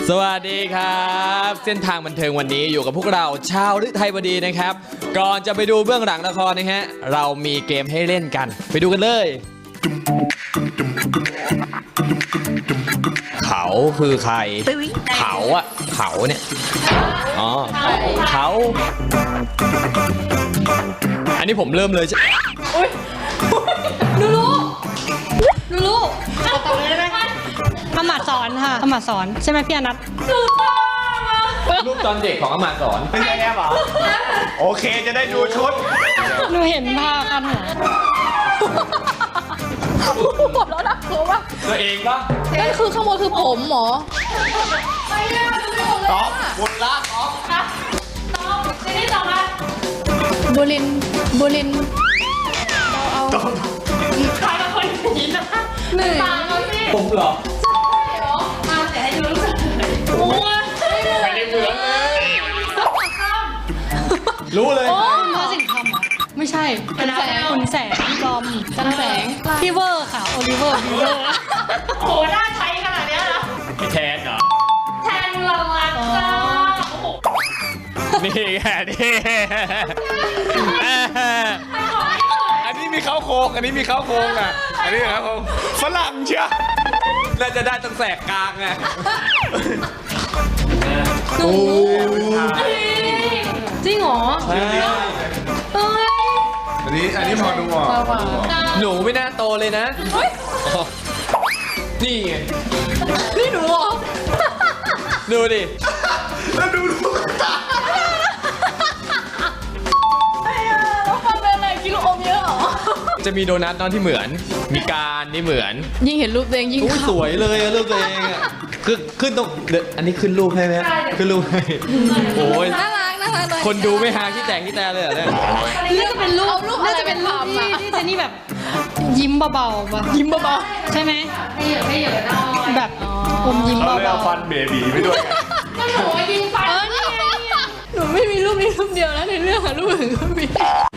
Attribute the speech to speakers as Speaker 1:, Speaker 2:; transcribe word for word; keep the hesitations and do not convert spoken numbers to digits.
Speaker 1: สวัสดีครับเส้นทางบันเทิงวันนี้อยู่กับพวกเราชาวฤทัยวดีนะครับก่อนจะไปดูเบื้องหลังละครนะฮะเรามีเกมให้เล่นกันไปดูกันเลยเขาคือใครเขาอะเขาเนี่ยอ๋อเขาอันนี้ผมเริ่มเลยใช่
Speaker 2: อุ้ยดูรู้ดูรู้ตอบเลยได้ไหมอำมาตย์สอนค่ะอำมาตย์สอนใช่ไหมพี่อนัทถูกต้อง
Speaker 1: รูปตอนเด็กของอำมาตย์สอน
Speaker 3: ไม่ใช่แอปเหรอโอเคจะได้ดูชุด
Speaker 2: หนูเห็นภาพกันหัวหมดแล้วนะกลัวป่ะ
Speaker 1: ตัวเองปะ
Speaker 4: นั่นคือข้างบนคือผมหมอ
Speaker 3: ต๊อกบุญรักต๊อก
Speaker 2: ตอบซีรีส์ต่อมา
Speaker 4: บุรินบุรินเอา
Speaker 3: ต๊อก
Speaker 2: ใครเป็นคนนี้นะหนึ่งตามมาสิ
Speaker 1: ผมเหรอ
Speaker 2: มาแต่ให้ดูรู้สึกโอ้ย
Speaker 1: ไม่ได้เหมือนเลยรู้เลย
Speaker 2: คุณพ่อสิ่งทำอ่ะไม่ใช่คุณแสงคุณแสงบอมจันแสงพี่เวอร์ค่ะโอลิเวอร์พี่เวอร์โหน่าใช้ขนาดนี้นะ
Speaker 1: แทนเหรอ
Speaker 2: แทนเราอ่ะ
Speaker 1: นี่ไงนี่อันนี้มีเข้าโค้งอันนี้มีเข้าโค้งอ่ะอันนี้ครับผมฝรั่งเชียวน่าจะได้ตั้งแสกกลางไง
Speaker 2: หนูจริงเหรอเฮ้ย
Speaker 3: อันนี้อันนี้พอดูอ่ะ
Speaker 1: หนูไม่น่าโตเลยนะนี่ไง
Speaker 2: นี่หนูเหรอ
Speaker 1: ดูดิ
Speaker 3: แล้วดูลูกตา
Speaker 2: แล้วฟังเป็นอะไรกินลูกอมเยอะเหรอ
Speaker 1: จะมีโดนัทน้องที่เหมือนมีการนี่เหมือน
Speaker 4: ยิ่งเห็นรูปตัวเองยิ่ง
Speaker 1: สวยเลยรูปตัวเองอ่ะคือขึ้นตรงอันนี้ขึ้นรูปให้ไหมขึ้นรูปให้โอ้ย
Speaker 4: น่ารักน่ารักเลย
Speaker 1: คนดูไม่หาที่แตกที่แตกเลยเหรอเนี่ย
Speaker 2: น่าจะเป็นรูปน่าจะเป็นรูปที่ที่เจนี่แบบยิ้มเบาๆป่ะ
Speaker 4: ยิ้มเบา
Speaker 2: ๆใช่ไหมไม่เยอะไม่เยอะแบบอมยิ้มเบาๆ
Speaker 3: เขาเลยเอาฟันเบบีไปด้วย
Speaker 2: ก็หนูยิ้มฟันเออนี่ไง
Speaker 4: หนูไม่มีรูปนี้รูปเดียวนะในเรื่องอะรูปอื่นก็มี